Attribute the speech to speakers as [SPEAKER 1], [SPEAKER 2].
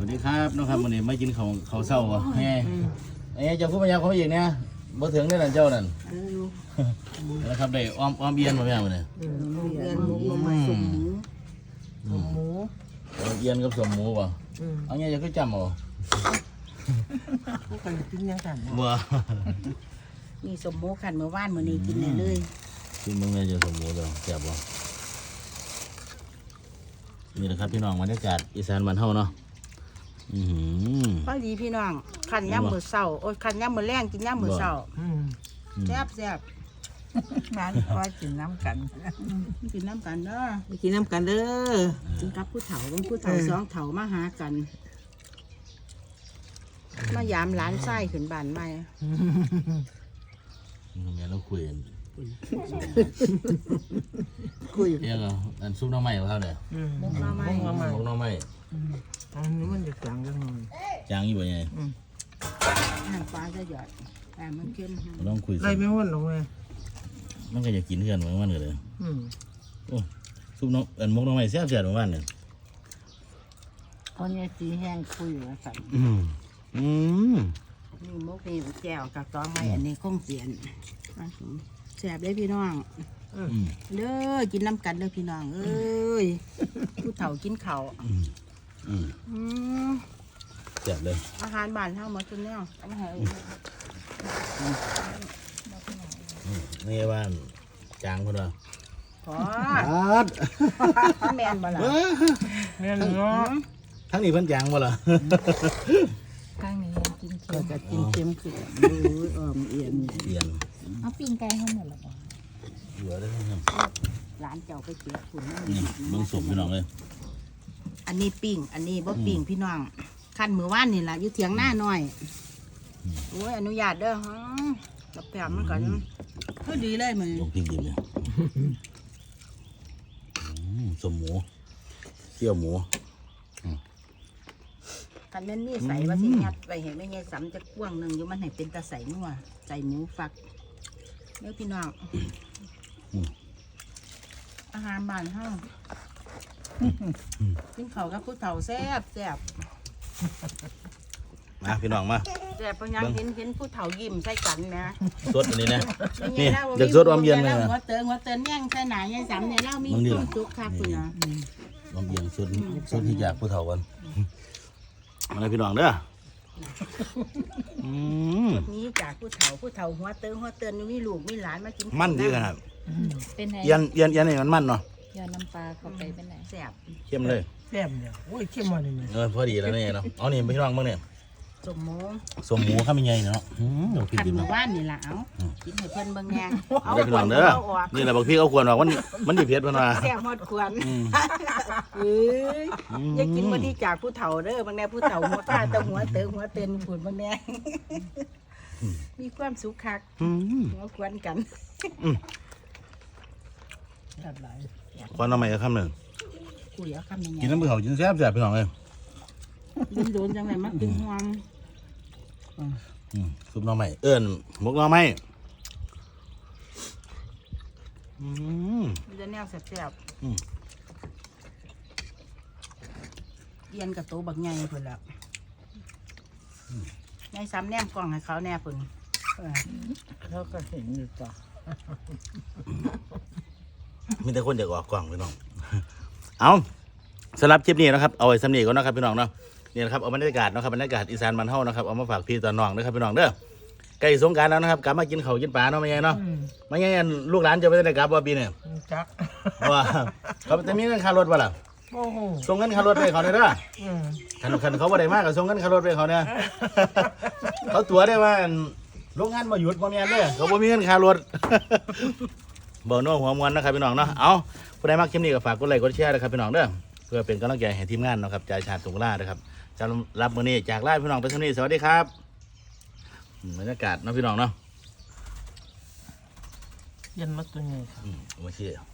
[SPEAKER 1] วัสดีครับน้องครับวันนี้มากินข้าวเช้าวะแม่เจ้าผู้พยายามเขาอีกเนี่ยบ่ถึงได้หลานเจ้านั่นแล้วครับได้อ้อมเอียนมาแม่วันนี้
[SPEAKER 2] เรียนหมูลงมาสุ่มหมู
[SPEAKER 1] อ้อมเอียนกับสมหมูป่ะเอาเนี่ยจะคือจำเอา
[SPEAKER 2] พวกกันกินยังกัน
[SPEAKER 1] บ่
[SPEAKER 3] มีสมหมูขันเมื่อวานมื้อนี้กินได้เลย
[SPEAKER 1] กินมึงเลยจะสมหมูเด้อแซ่บบ่นี่แหละครับพี่น้องบรรยากาศอีสานบ้านเฮาเนาะ
[SPEAKER 3] พอดีพี่น้องขันย่ำมื้อเช้าโอ้ยขันย่ำมื้อแรงกินย่ำมื้อเช้าแซ่บ
[SPEAKER 2] ร้านก็กินน้ำกัน
[SPEAKER 3] กินน้ำกันเด้อ
[SPEAKER 2] กินน้ำกันเด้อ
[SPEAKER 3] กินกับผู้เฒ่าบางผู้เฒ่าสองเฒ่ามาหากันมายามหลานไส้ขึ้นบ้านใหม่
[SPEAKER 1] แม่เราคุยกัน
[SPEAKER 2] คุย
[SPEAKER 1] เรียกเอาอันซุปหน้ำไม้เขาเนี่ย
[SPEAKER 3] มุกมาใหม่
[SPEAKER 1] หมกหน้ำไม้
[SPEAKER 2] อันนี้มันจะกลางกันหน่อย
[SPEAKER 1] จางอยู่บ่ยังไง
[SPEAKER 3] น้ำปลาจะหยอดแต่มันเค็ม
[SPEAKER 1] เราต้องคุย
[SPEAKER 2] ไรไม่ห้วนหรอกเลย
[SPEAKER 1] มันก็จะกินเพื่อนเหมือนมันเลยโอ้ซุปน้ำหมกหน้ำไม้แซ่บเหมือนมันเนี่ย
[SPEAKER 2] คนนี้สีแห้งคุยแล้วสั่น
[SPEAKER 3] นี่มุกนี่แจ่วกับตองไม้อันนี้คงเสียนแซ่บเลยพี่น้องเด้อกินน้ำกันเด้อพี่น้องเอ้ยผู้เฒ่ากินข้าว
[SPEAKER 1] แซ่บเลย
[SPEAKER 3] อาหารบ้านเฮาหมดทุกแนวเอามาให้
[SPEAKER 1] นี่ว่าจางคนละ
[SPEAKER 3] ขอแม่นบ่ล่ะ
[SPEAKER 2] แม่เนาะ
[SPEAKER 1] ทั้งนี้เพิ่นจางบ่ล่ะ
[SPEAKER 4] ข้างนี้กินเค็
[SPEAKER 2] ก็
[SPEAKER 4] ม
[SPEAKER 2] จะกินเค็มขึ้นดูอ้อมเอียน
[SPEAKER 1] เปลี่ยน
[SPEAKER 4] เอาปิ้งไก่ให้หมดแล้วบ่
[SPEAKER 1] เหลือได้ไหมครับ
[SPEAKER 3] ร้านเจ้าไปเก็บคุณ
[SPEAKER 1] นี่เบิ่งสมพี่น้องเลย
[SPEAKER 3] อันนี้ปิ้งอันนี้บ่ปิ้งพี่น้องขั้นมือว่านนี่ล่ะอยู่เถียงหน้าหน่อยโอ้ยอนุญาตเด้อฮะกับแปมมันก่อนก็ดีเลยมือ
[SPEAKER 1] ลงพริกดิบเลยสมหมูเคี่ยวหมู
[SPEAKER 3] คันแม่นมีใส่ว่าสิยัดไปเห็นไม่ไงสำจะกว้างหนึงอยู่มันให้เป็นตาใส่นัวใส่หมูฝักเด้อพี่น้องอาหารบ้านเฮากินข้าวกับผู้เฒ่าแซ่บแซ่บ
[SPEAKER 1] มาพี่น้องมา
[SPEAKER 3] แซ่บเพราะยังเห็นผู้เฒ่ายิ้มใส่กันนะ
[SPEAKER 1] สดอันนี้นะนี่เด็กสดอมเย็นเลยนะ
[SPEAKER 3] หัวเตือนแย่งใส่หนาแย่งสามเนี่ยเล่ามีความสุขครับคุณนะ
[SPEAKER 1] อมเย็นสดที่จากผู้เฒ่ากันมาเลยพี่น้องเด้อ
[SPEAKER 3] นี้จากผู้เฒ่าหัวเตือนมีลูกมีหลานมากิน
[SPEAKER 1] มันดีขนาด
[SPEAKER 4] เป็นไง
[SPEAKER 1] เย็นนี่มันมันเนาะ
[SPEAKER 4] ยอดน้ำปลาเข้าไปเป็นไง
[SPEAKER 3] แซ่บ
[SPEAKER 1] เข้มเลย
[SPEAKER 2] แซ่บเนี่ยโอ้ยเข้มมาเลย
[SPEAKER 1] พอดีแล้วนี่เนาะเอานี่พี่น้องบ้างเนี่ย
[SPEAKER 3] สมหมู
[SPEAKER 1] สมหมูข้าวมันใหญ่เนาะเดี๋ยวพี่
[SPEAKER 3] ขัน
[SPEAKER 1] กิน
[SPEAKER 3] หมู่
[SPEAKER 1] เนาะ
[SPEAKER 3] บ้านนี่ล่ะเอากินให้เพิ่นเบิ่งแง
[SPEAKER 1] เอาได้พี่น้องเด้อนี่แหละบอกพี่เอาควรบอกมันดีเผ็ดมันว่า
[SPEAKER 3] แซ่บฮอดควรเอ้ยอย่ากินบ่ดีจากผู้เฒ่าเด้อบางแน่ผู้เฒ่าหัวตาแต่หัวเตือนฝุ่นบางแน่มีความสุขคักหัวควนกัน
[SPEAKER 2] แซ่บหลาย
[SPEAKER 1] ควรเอาใหม่คำหนึ่ง
[SPEAKER 3] คุยเอาคำยังไง
[SPEAKER 1] กินน้ำเปล่ากินแซ่บพี่น้องเลย
[SPEAKER 3] โดนจังไงมักกินห่วง
[SPEAKER 1] ซุปหน่อไม้หมกหน่อไม้
[SPEAKER 3] มันจะแนวแซ่บเอียนกับโตบักใหญ่เพิ่นแล้วในซ้ำแนมกล่องให้เขาแน่เพิ่น
[SPEAKER 2] เขาก็เห็นอยู่ต่อ
[SPEAKER 1] มีแต่คนอยากออกกล่องพี่น้อง เอาสำหรับคลิปนี้นะครับเอาไว้สำเนียก่อนนะครับพี่น้องเนาะนี่นะครับเอาบรรยากาศนะครับบรรยากาศอีสานบ้านเฮานะครับเอามาฝากพี่ตาน้องนะครับพี่น้องเด้อใกล้สงกรานต์แล้วนะครับกลับมากินข้าวกินปลาเนาะไม่ใช่เนาะไม่ใช่ลูกหลานจะไปได้กลับว่าปีเนี่ย
[SPEAKER 2] จัก
[SPEAKER 1] ว่าเขาจะมีเงินค่ารถป่ะล่ะ
[SPEAKER 2] โอ้โห
[SPEAKER 1] ส่งเงินค่ารถไปเขาเนี่ยเด้อคันเขาบ่ได้มากก็ส่งเงินค่ารถไปเขาเนี่ยเขาตัวได้ว่าโรงงานมาหยุดบ่มีอันเด้อเขาบ่มีเงินค่ารถบ่โน้หัวมวนนะครับพี่น้องเนาะเอาผู้ใดมักคลิปนี้ก็ฝากกดไลค์กดแชร์นะครับพี่น้องเด้อเพื่อเป็นกำลังใจให้ทีมงานนะครับจ่ายชาติสงขลานะครับจะรับมื้อนี้จากลาพี่น้องไปเท่านี้สวัสดีครับบรรยากาศเนาะพี่น้องเนาะ
[SPEAKER 2] ยันมาตัวใหญ่
[SPEAKER 1] โอเค